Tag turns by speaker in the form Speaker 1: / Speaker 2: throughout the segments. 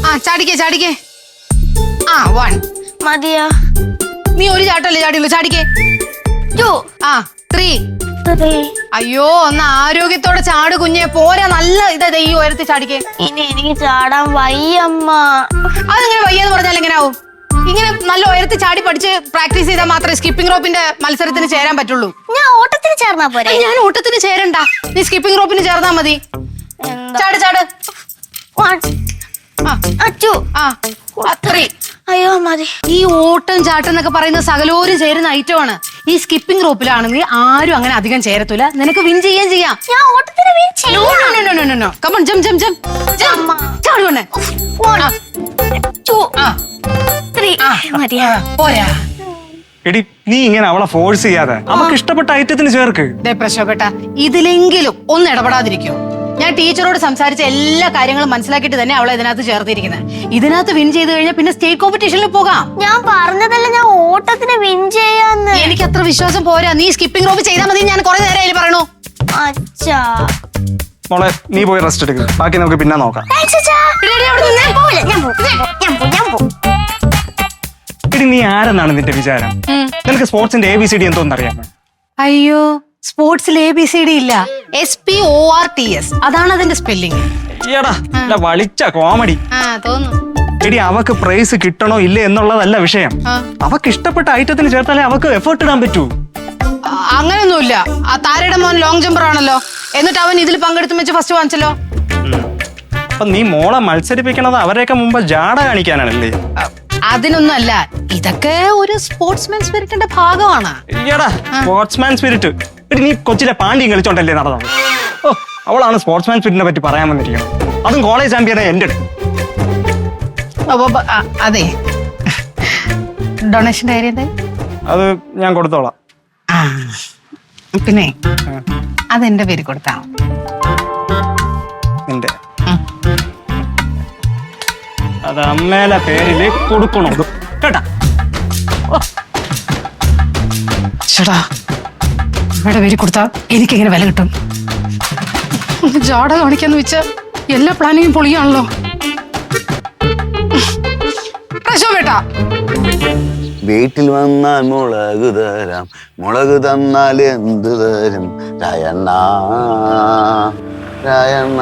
Speaker 1: ചാടിക്കേ. 1
Speaker 2: മതിയാ.
Speaker 1: നീ ഒരു ചാട്ടല്ലേ ചാടിയുള്ളൂ. ചാടിക്കേ.
Speaker 2: 2
Speaker 1: 3.
Speaker 2: 3.
Speaker 1: അയ്യോ ഒന്ന് ആരോഗ്യത്തോടെ ചാട് കുഞ്ഞെ. പോരാ, നല്ല ഇതാ ഈ ഉയരത്തിൽ ചാടിക്കേ.
Speaker 2: ഇനി എനിക്ക് ചാടാൻ വയ്യമ്മ.
Speaker 1: അതെങ്ങനെ വയ്യെന്ന് പറഞ്ഞാൽ എങ്ങനെ ആവും? ഇങ്ങനെ നല്ല ഉയരത്തിൽ ചാടി പഠിച്ച് പ്രാക്ടീസ് ചെയ്താൽ മാത്രമേ സ്കിപ്പിംഗ് റോപ്പിന്റെ മത്സരത്തിന് ചേരാൻ പറ്റുള്ളൂ.
Speaker 2: ഞാൻ ഓട്ടത്തിന് ചേർന്നാ പോരെ?
Speaker 1: ഞാൻ ഓട്ടത്തിന് ചേരണ്ട, നീ സ്കിപ്പിംഗ് റോപ്പിന് ചേർന്നാ മതി. ചാട്.
Speaker 2: 1 2
Speaker 1: 3.
Speaker 2: അയ്യോ മതി.
Speaker 1: ഈ ഓട്ടം ചാട്ടം എന്നൊക്കെ പറയുന്ന സകലോരും ചേരുന്ന ഐറ്റമാണ്. ഈ സ്കിപ്പിംഗ് റോപ്പിലാണെങ്കിൽ ആരും അങ്ങനെ അധികം ചേരത്തില്ല. നിനക്ക് വിൻ ചെയ്യാം.
Speaker 2: ഞാൻ ഓട്ടത്തിന് വിൻ ചെയ്യാം.
Speaker 1: നോ. Come on, jump. ചാടുവണേ.
Speaker 2: 1 2 3. മതിയാ.
Speaker 1: പോരാ.
Speaker 3: എടി നീ ഇങ്ങനെ അവളെ ഫോഴ്സ് ചെയ്യാതെ അവൾക്ക് ഇഷ്ടപ്പെട്ട ഐറ്റത്തിന് ചേർക്ക്.
Speaker 1: പ്രശ്നപ്പെട്ട ഇതിലെങ്കിലും ഒന്ന് ഇടപെടാതിരിക്കോ? ഞാൻ ടീച്ചറോട് സംസാരിച്ച എല്ലാ കാര്യങ്ങളും മനസ്സിലാക്കിയിട്ട് തന്നെ അവളെ ഇതിനകത്ത് ചേർത്തിരിക്കുന്നത്. ഇതിനകത്ത് വിൻ ചെയ്ത് കഴിഞ്ഞാൽ പിന്നെ സ്റ്റേറ്റ് കോമ്പറ്റീഷനിൽ പോകാം.
Speaker 2: ഞാൻ പറഞ്ഞതല്ല ഞാൻ ഓട്ടത്തിന് വിൻ ചെയ്യാന്ന്.
Speaker 1: എനിക്ക് അത്ര വിശ്വാസം പോരാ. നീ സ്കിപ്പിംഗ് റോപ്പ് ചെയ്താൽ മതി. ഞാൻ കുറെ നേരം പറയണു.
Speaker 2: അച്ഛാ
Speaker 3: മോളെ നീ പോയി റെസ്റ്റ് എടുക്കുക, ബാക്കി നമുക്ക് പിന്നെ നോക്കാം. എടി നീ ആരെന്നാണ് നിന്റെ വിചാരം? നിനക്ക് സ്പോർട്സിന്റെ ABCD എന്തോന്നറിയാമോ?
Speaker 1: അയ്യോ, സ്പോർട്സിൽ ABCD ഇല്ല. SPORTS അതാണ് അതിന്റെ സ്പെല്ലിംഗ്.
Speaker 3: വളിച്ച കോമഡി.
Speaker 1: തോന്നുന്നു.
Speaker 3: എടി അവക്ക് പ്രൈസ് കിട്ടണോ ഇല്ലേ എന്നുള്ളതല്ല വിഷയം. അവക്ക് ഇഷ്ടപ്പെട്ട ഐറ്റത്തിന് ചേർത്താലേ അവക്ക് എഫേർട്ട് ഇടാൻ പറ്റൂ.
Speaker 1: അങ്ങനൊന്നുമില്ല. ആ താരയുടെ മോൻ ലോങ് ജമ്പർ ആണല്ലോ, എന്നിട്ട് അവൻ ഇതിൽ പങ്കെടുത്ത് വെച്ച് ഫസ്റ്റ് വാങ്ങിച്ചല്ലോ.
Speaker 3: അപ്പൊ നീ മോളെ മത്സരിപ്പിക്കണത് അവരെയൊക്കെ മുമ്പ് ജാട കാണിക്കാനാണല്ലേ?
Speaker 1: അതിനൊന്നും അല്ല, ഇതൊക്കെ ഒരു സ്പോർട്സ്മാൻ സ്പിരിറ്റിന്റെ ഭാഗമാണ്.
Speaker 3: Sportsman spirit. എടി നീ കൊച്ചിലെ പാണ്ഡ്യം കളിച്ചോണ്ടല്ലേ നടന്നത്? ഓ, അവളാണ് സ്പോർട്സ്മാൻ സ്പിരിറ്റിനെ പറ്റി പറയാൻ വന്നിരിക്കണം. അതും കോളേജ് ചാമ്പ്യനെ എന്റെ.
Speaker 1: അതെ, ഡൊണേഷന്റെ കാര്യം എന്തായി?
Speaker 3: അത് ഞാൻ കൊടുത്തോളാം.
Speaker 1: പിന്നെ അതെന്റെ പേര് കൊടുത്താ
Speaker 3: നിന്റെ അത് അമ്മേലെ പേരില് കൊടുക്കണോ കേട്ടാ?
Speaker 1: ചേട്ടാ, അമ്മയുടെ പേര് കൊടുത്താ എനിക്കെങ്ങനെ വില കിട്ടും? ജാട കാണിക്കാന്ന് വെച്ചാ എല്ലാ പ്ലാനിങ്ങും പൊളിയാണല്ലോ.
Speaker 4: വീട്ടിൽ വന്നാൽ മുളക് തരാം, മുളക് തന്നാൽ എന്ത് തരും രായണ്ണ രായണ്ണ.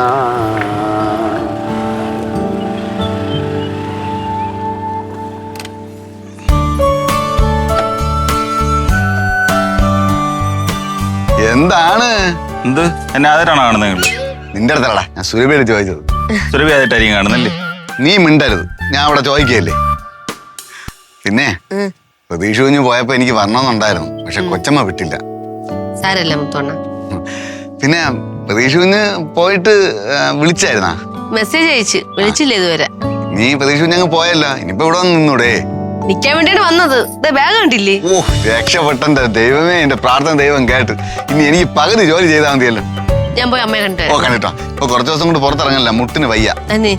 Speaker 4: എന്താണ്?
Speaker 5: എന്ത് എന്നെ ആദ്യമായിട്ടാണ് കാണുന്നത് നിങ്ങൾ?
Speaker 4: നിന്റെ അടുത്തല്ലടാ, ഞാൻ സുരഭിയോട് ചോദിച്ചത്.
Speaker 5: സുരഭി ആദ്യമായിട്ടായിരിക്കും കാണുന്നല്ലേ?
Speaker 4: നീ മിണ്ടരുത്, ഞാൻ അവിടെ ചോദിക്കല്ലേ. പിന്നെ പ്രതീക്ഷ കുഞ്ഞ് പോയപ്പോ എനിക്ക് വരണമെന്നുണ്ടായിരുന്നു, പക്ഷെ കൊച്ചമ്മ വിട്ടില്ല.
Speaker 6: സാരല്ല മുത്തോണ്ണ.
Speaker 4: പിന്നെ പ്രതീക്ഷ കുഞ്ഞ് പോയിട്ട് വിളിച്ചായിരുന്നാ?
Speaker 6: മെസ്സേജ് അയച്ച് വിളിച്ചില്ല ഇതുവരെ.
Speaker 4: നീ പ്രതീക്ഷ കുഞ്ഞ് അങ്ങ് പോയല്ലോ, ഇനിയിപ്പോ ഇവിടെ വന്ന് നിന്നൂടെ?
Speaker 6: നിക്കാൻ വേണ്ടിയാണ് വന്നത്. ബാഗ് കണ്ടില്ലേ?
Speaker 4: ഓ രക്ഷപ്പെട്ടെന്റെ ദൈവമേ, എന്റെ പ്രാർത്ഥന ദൈവം കേട്ട്. ഇനി എനിക്ക് പകുതി ജോലി ചെയ്താൽ മതിയല്ലോ.
Speaker 6: ഞാൻ പോയി അമ്മയെ കണ്ടു.
Speaker 4: ഓ കണ്ടിട്ടോ, ഇപ്പൊ കുറച്ചു ദിവസം കൊണ്ട് പുറത്തിറങ്ങല്ല, മുട്ടിന് വയ്യ.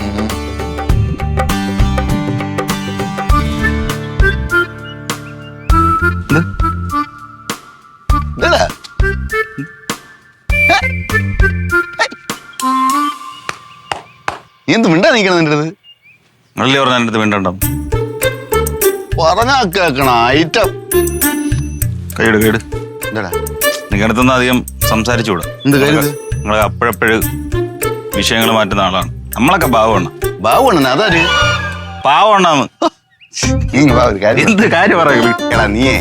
Speaker 4: നീ എന്ത് മിണ്ടാ നിൽക്കണം നിന്റെ അടുത്ത്?
Speaker 5: നിങ്ങളല്ലേ പറഞ്ഞ എൻ്റെ അടുത്ത് മിണ്ടണ്ടോ?
Speaker 4: പറഞ്ഞാ കേക്കണ ഐറ്റം.
Speaker 5: കൈയിട്
Speaker 4: എന്താടാ
Speaker 5: നിങ്ങളടുത്തൊന്നും അധികം സംസാരിച്ചുകൂടാ.
Speaker 4: എന്ത് കാര്യം?
Speaker 5: നിങ്ങൾ അപ്പോഴപ്പോഴും വിഷയങ്ങൾ മാറ്റുന്ന ആളാണ്. നമ്മളൊക്കെ പാവമാണ്.
Speaker 4: ബാബുണ്ണ അതാര്?
Speaker 5: പാവണ്ണാന്ന്. എന്ത് കാര്യം പറയുള്ളൂ?
Speaker 4: എടാ നീയേ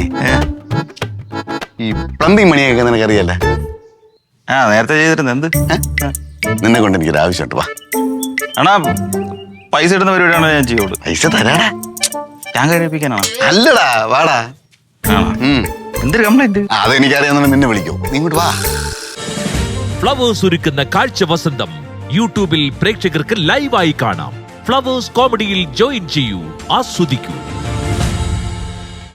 Speaker 4: ഈ പ്ലംബിംഗ് പണിയൊക്കെ നിനക്കറിയല്ലേ?
Speaker 5: നേരത്തെ ചെയ്തിരുന്നു. എന്ത്
Speaker 4: നിന്നെ കൊണ്ട് എനിക്കൊരു ആവശ്യമുണ്ട്, വാ.
Speaker 5: ആണാ പൈസ ഇടുന്ന പരിപാടിയാണോ ഞാൻ ചെയ്യുള്ളൂ?
Speaker 4: പൈസ തരാടാ.
Speaker 5: ഞാൻ കഴിപ്പിക്കാനാണ്?
Speaker 4: അല്ലടാ, വാടാ.
Speaker 5: എന്തൊരു കംപ്ലൈന്റ്?
Speaker 4: അതെനിക്കറിയാവുന്ന നിന്നെ വിളിക്കൂ, നീ ഇങ്ങോട്ട് വാ.
Speaker 7: ഫ്ലവേഴ്സ് ഒരുക്കുന്ന കാഴ്ച വസന്തം യൂട്യൂബിൽ പ്രേക്ഷകർക്ക് ലൈവായി കാണാം. ഫ്ലവേഴ്സ് കോമഡിയിൽ ജോയിൻ ചെയ്യൂ, ആസ്വദിക്കൂ.